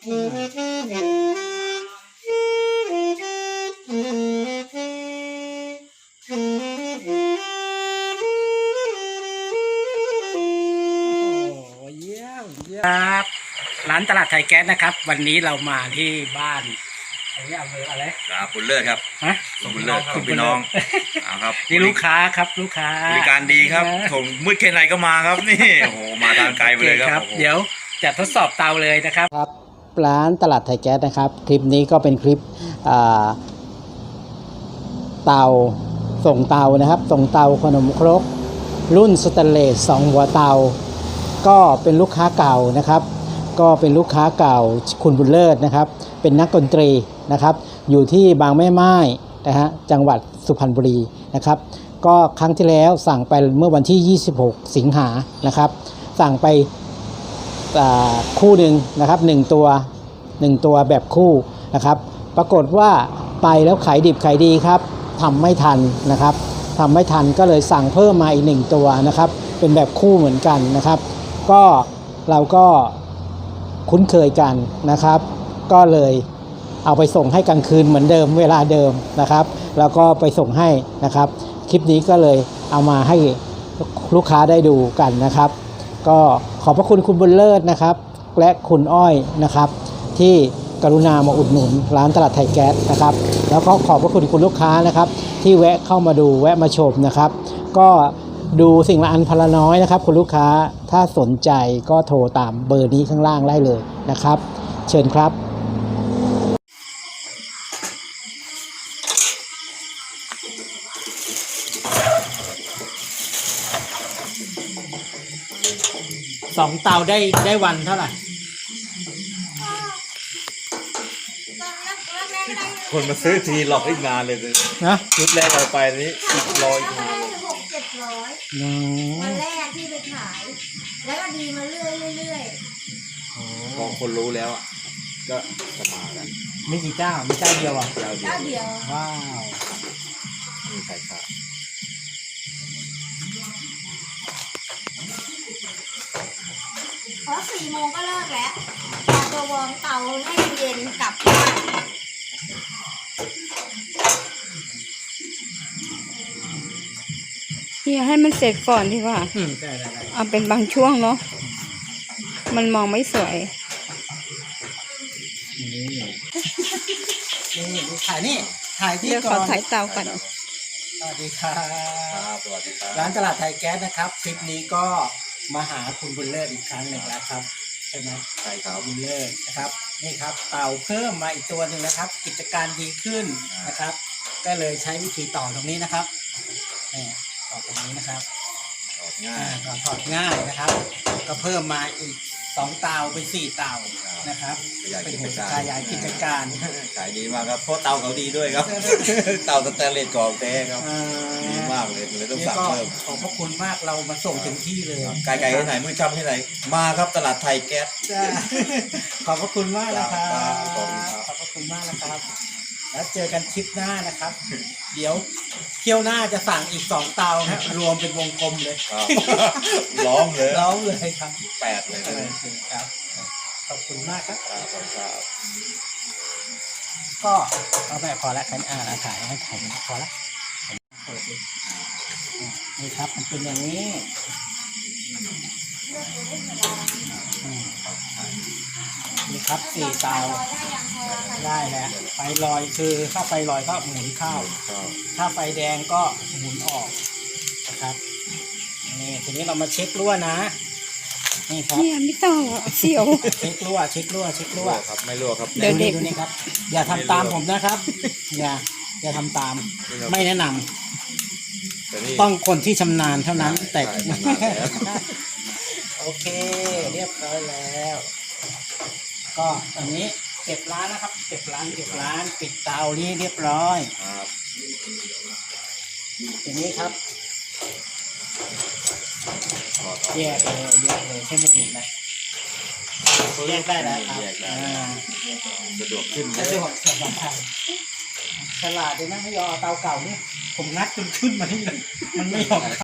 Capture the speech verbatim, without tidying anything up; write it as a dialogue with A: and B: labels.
A: ครับร้านตลาดไทยแก๊สนะครับวันนี้เรามาที่บ้านอันนี้อำเภออะไร
B: ครับบุญเลิศครับ
A: ฮะ
B: บุญเลิศของพี่น้องครับ
A: นี่ลูกค้าครับลูกค้า
B: บริการดีครับถงมืดแค่ไหนก็มาครับนี่โอ้โหมาทางไกลไปเลยครับ
A: เดี๋ยวจะทดสอบเตาเลยนะครับครับร้านตลาดไทยแก๊สนะครับคลิปนี้ก็เป็นคลิปเตาส่งเตานะครับส่งเตาขนมครกรุ่นสแตนเลสสองหัวเตาก็เป็นลูกค้าเก่านะครับก็เป็นลูกค้าเก่าคุณบุญเลิศนะครับเป็นนักดนตรีนะครับอยู่ที่บางแม่ไม้นะฮะจังหวัดสุพรรณบุรีนะครับก็ครั้งที่แล้วสั่งไปเมื่อวันที่ยี่สิบหกสิงหานะครับสั่งไปคู่หนึ่งนะครับหนึ่งตัวหนึ่งตัวแบบคู่นะครับปรากฏว่าไปแล้วขายดิบขายดีครับทำไม่ทันนะครับทำไม่ทันก็เลยสั่งเพิ่มมาอีกหนึ่งตัวนะครับเป็นแบบคู่เหมือนกันนะครับก็เราก็คุ้นเคยกันนะครับก็เลยเอาไปส่งให้กลางคืนเหมือนเดิมเวลาเดิมนะครับแล้วก็ไปส่งให้นะครับคลิปนี้ก็เลยเอามาให้ลูกค้าได้ดูกันนะครับก็ขอบพระคุณคุณบุญเลิศนะครับและคุณอ้อยนะครับที่กรุณามาอุดหนุนร้านตลาดไทยแก๊สนะครับแล้วก็ขอบพระคุณคุณลูกค้านะครับที่แวะเข้ามาดูแวะมาชมนะครับก็ดูสิ่งละอันพละน้อยนะครับคุณลูกค้าถ้าสนใจก็โทรตามเบอร์นี้ข้างล่างได้เลยนะครับเชิญครับสองเตาได้ได้วันเท่าไหร่
B: คนมาซื้อทีหลอกอีกนานเลยนะชุดแรกเอาไปนี้อีกร้อย
C: หกเจ็ดร้อยวันแรกที่ไปขายแล้วก็ดีมาเรื่อยเรื่อย
B: พอคนรู้แล้วอ่ะก็จะมากัน
A: ไม่กี่เจ้ามีเจ้าเดียวอ่ะ
C: เจ้าเดียว
A: ว้าว
B: มีใครขาด
C: เพราะสี่โมงก็เลิกแล้วแต่ตัววอร์มเตาให้เย็นกลับบ้าน
D: เฮียให้มันเสร็จก่อนดีกว่าเอาเป็นบางช่วงเนาะมันมองไม่สวย
A: นี่ถ่ายนี่ถ่ายที่ก่อน
D: เดี๋ยวขอถ่ายเตาก่อน
A: สวัสดีครับ
B: สวัสดีครับ
A: ร้านตลาดไทยแก๊สนะครับคลิปนี้ก็มาหาคุณบุญเลิศอีกครั้งหนึ่งแล้วครับใช่ไหม
B: ใช่ครับ
A: บุญเลิศนะครับนี่ครับเตาเพิ่มมาอีกตัวหนึ่งนะครับกิจการดีขึ้นนะครับก็เลยใช้วิธีต่อตรงนี้นะครับต่อตรงนี้นะครับ
B: ถอดง่าย
A: ถอดง่ายนะครับก็เพิ่มมาอีกสองเตาเป็นสี่เตานะครับเป็นหัวขยายกิจการ
B: ขายดีมากครับเพราะเตาเขาดีด้วยครับเตาสแตนเลสกรองแท้ครับดีมากเลยเลยต้องสั่งเพิ่ม
A: ขอบพระคุณมากเรามาส่งถึงที่เลย
B: ไกลๆที่ไหนมือจำที่ไหนมาครับตลาดไทยแก๊ส
A: ขอบพระคุณมากนะครับขอบพระคุณมากนะครับแล้วเจอกันคลิปหน้านะครับเดี๋ยวเที่ยวหน้าจะสั่งอีกสองเตาครับรวมเป็นวงกลมเลย
B: ล้อมเลย
A: ล้อมเลยครับ
B: แปดเลย
A: ครับขอบคุณมากครับ
B: ครับ
A: ก็เอาแบบพอละคันอ่านถ่ายให้ถ่ายพอละนี่ครับมันเป็นอย่างนี้นี่ครับสี่เตาได้แล้วไฟลอยคือถ้าไฟลอยก็หมุนเข้าถ้าไฟแดงก็หมุนออกนะครับนี่ทีนี้เรามาเช็ครั่วนะนี่ครับ
D: เนี่ยไม่ต้องเสียว
A: เช็ครั่วเช็ครั่วเช็ครั่ว
B: ครับไม่รั่วครับ
D: เดี๋ยวเด็ก
A: ดูนี่ครับอย่าทำตามผมนะครับอย่าอย่าทำตามไม่แนะนำต้องคนที่ชำนาญเท่านั้นแต่โอเคเรียบร้อยแล้วก็ตอนนี้เก็บร้านนะครับเก็บร้านเก็บร้านปิดเตานี้เรียบร้อย
B: ครับ
A: ทีนี้ครับแยกเลยแยกเลยใช่ไหมถูกไหมแยกได้แล้วครับ
B: สะดวกขึ้น
A: สะดวกสบายฉลาดเลยนะไม่ยอมเตาเก่านี่ผมงัดจนขึ้นมาที่เลยมันไม่ยอม